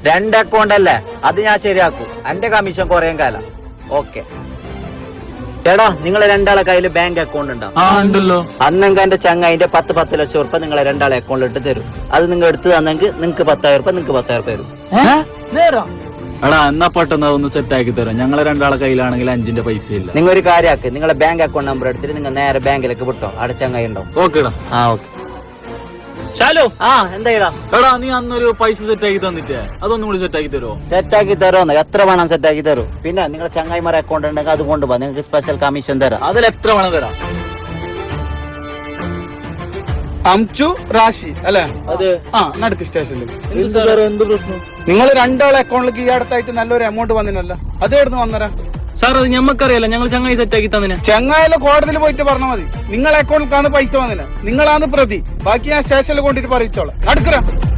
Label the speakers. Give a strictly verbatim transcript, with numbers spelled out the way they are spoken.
Speaker 1: രണ്ട് അക്കൗണ്ട് അല്ലേ, അത് ഞാൻ ശരിയാക്കും. എന്റെ കമ്മീഷൻ കുറയും കാലം. ഓക്കെ എടാ, നിങ്ങളെ രണ്ടാളെ കയ്യില് ബാങ്ക് അക്കൗണ്ട്
Speaker 2: ഉണ്ടല്ലോ.
Speaker 1: അന്നെങ്കിൽ എന്റെ ചങ്ങായിന്റെ പത്ത് പത്ത് ലക്ഷം ഉറുപ്പ നിങ്ങളെ രണ്ടാളെ അക്കൗണ്ടിൽ ഇട്ട് തരും. അത് നിങ്ങൾ എടുത്ത് തന്നെങ്കിൽ നിങ്ങക്ക് പത്തായിരം ഉറുപ്പ നിങ്ങക്ക് പത്തായിരം തരും.
Speaker 2: എടാ എന്നാ പെട്ടെന്ന് അതൊന്ന് സെറ്റ് ആക്കി തരാം. ഞങ്ങളെ രണ്ടാളെ കയ്യിലാണെങ്കിൽ അഞ്ചിന്റെ പൈസ ഇല്ല.
Speaker 1: നിങ്ങൾ ഒരു കാര്യമാക്ക്, നിങ്ങളെ ബാങ്ക് അക്കൗണ്ട് നമ്പർ എടുത്തിട്ട് നിങ്ങൾ നേരെ ബാങ്കിലേക്ക് വിട്ടോ. അവിടെ ചങ്ങായി ഉണ്ടാവും.
Speaker 2: ഓക്കേടാ.
Speaker 1: ആ ഓക്കെ.
Speaker 2: ഷാലു,
Speaker 1: ആ എന്താ
Speaker 2: എടാ നീ അന്നൊരു പൈസ സെറ്റ് ആക്കി തന്നിട്ടേ, അതൊന്നും കൂടി സെറ്റ് ആക്കി തരുമോ?
Speaker 1: സെറ്റ് ആക്കി തരുമോ? എത്ര വേണം സെറ്റ് ആക്കി തരും. പിന്നെ നിങ്ങളെ ചങ്ങായിമാരെ അക്കൗണ്ട് ഉണ്ടെങ്കിൽ അത് കൊണ്ടുപോകാം. നിങ്ങൾക്ക് സ്പെഷ്യൽ കമ്മീഷൻ തരാം.
Speaker 2: അതിൽ എത്ര വേണം തരാം?
Speaker 3: അംചു റാഷി അല്ലെ?
Speaker 2: അതെ.
Speaker 3: ആ നടുക്ക് സ്റ്റേഷനിൽ.
Speaker 2: എന്ത് പ്രശ്നം?
Speaker 3: നിങ്ങൾ രണ്ടാളെ അക്കൗണ്ടിലേക്ക് ഈ അടുത്തായിട്ട് നല്ലൊരു എമൗണ്ട് വന്നിനല്ലോ, അത് എവിടുന്ന് വന്നരാ?
Speaker 2: സാർ അത് ഞമ്മക്കറിയാലോ, ഞങ്ങൾ ചങ്ങായി സെറ്റ് ആക്കി തന്നെ.
Speaker 3: ചങ്ങായാലും കോടതിയിൽ പോയിട്ട് പറഞ്ഞാൽ മതി. നിങ്ങളെ അക്കൗണ്ടിലേക്കാണ് പൈസ വന്നില്ല, നിങ്ങളാണ് പ്രതി. ബാക്കി ഞാൻ സ്റ്റേഷനിൽ കൊണ്ടിട്ട് പറയിച്ചോളാം. നടക്കറ.